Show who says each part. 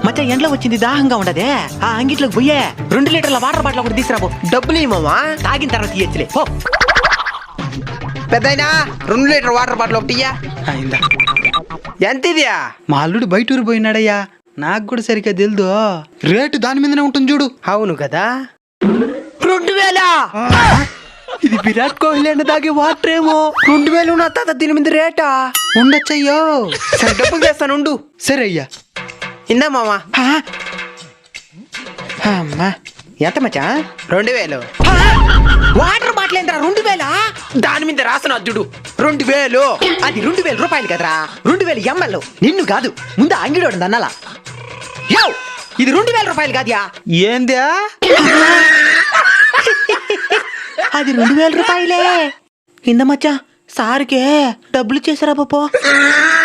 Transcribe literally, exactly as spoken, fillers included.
Speaker 1: మచ్చ ఎండ్లో వచ్చింది దాహంగా ఉండదే ఆ అంగిట్లోకి పోయే రెండు లీటర్ల వాటర్ బాటిల్ ఒకటి తీసుకురాబో.
Speaker 2: డబ్బులు ఇవ్వమా?
Speaker 1: తాగిన తర్వాత ఇయ్యచ్చులే పో.
Speaker 2: పెద్దయినా రెండు లీటర్ వాటర్ బాటిల్ ఒకటి ఇయ్యా.
Speaker 3: అయిందా?
Speaker 2: ఎంత ఇదియా?
Speaker 3: మా అల్లుడు బయట ఊరు పోయినాడయ్యా, నాకు కూడా సరిగ్గా తెలుదు. రేటు దాని మీదనే ఉంటుంది చూడు.
Speaker 2: అవును కదా. రెండు వేల
Speaker 1: ఇది విరాట్ కోహ్లీ అన్న తాగే వాటర్ ఏమో.
Speaker 2: రెండు వేలు నా తాత దీని మీద రేటా?
Speaker 3: ఉండొచ్చయ్యో.
Speaker 2: సరే డబ్బులు చేస్తాను ఉండు.
Speaker 3: సరే అయ్యా.
Speaker 2: ఇందా మామా.
Speaker 1: అమ్మా ఎంత మచ్చా?
Speaker 2: రెండు వేలు.
Speaker 1: వాటర్ బాటిల్ ఏంటరా రెండు వేల?
Speaker 2: దాని మీద రాసిన అద్దుడు రెండు వేలు.
Speaker 1: అది రెండు వేల రూపాయలు కదరా, రెండు వేల ఎంఎల్. నిన్ను కాదు ముందు అంగిడోడు అన్నలా. యో ఇది రెండు వేల రూపాయలు కాదుయా.
Speaker 3: ఏందా?
Speaker 1: అది రెండు వేల రూపాయలే. ఇంద మచ్చా సార్కే డబ్బులు చేసారా పో.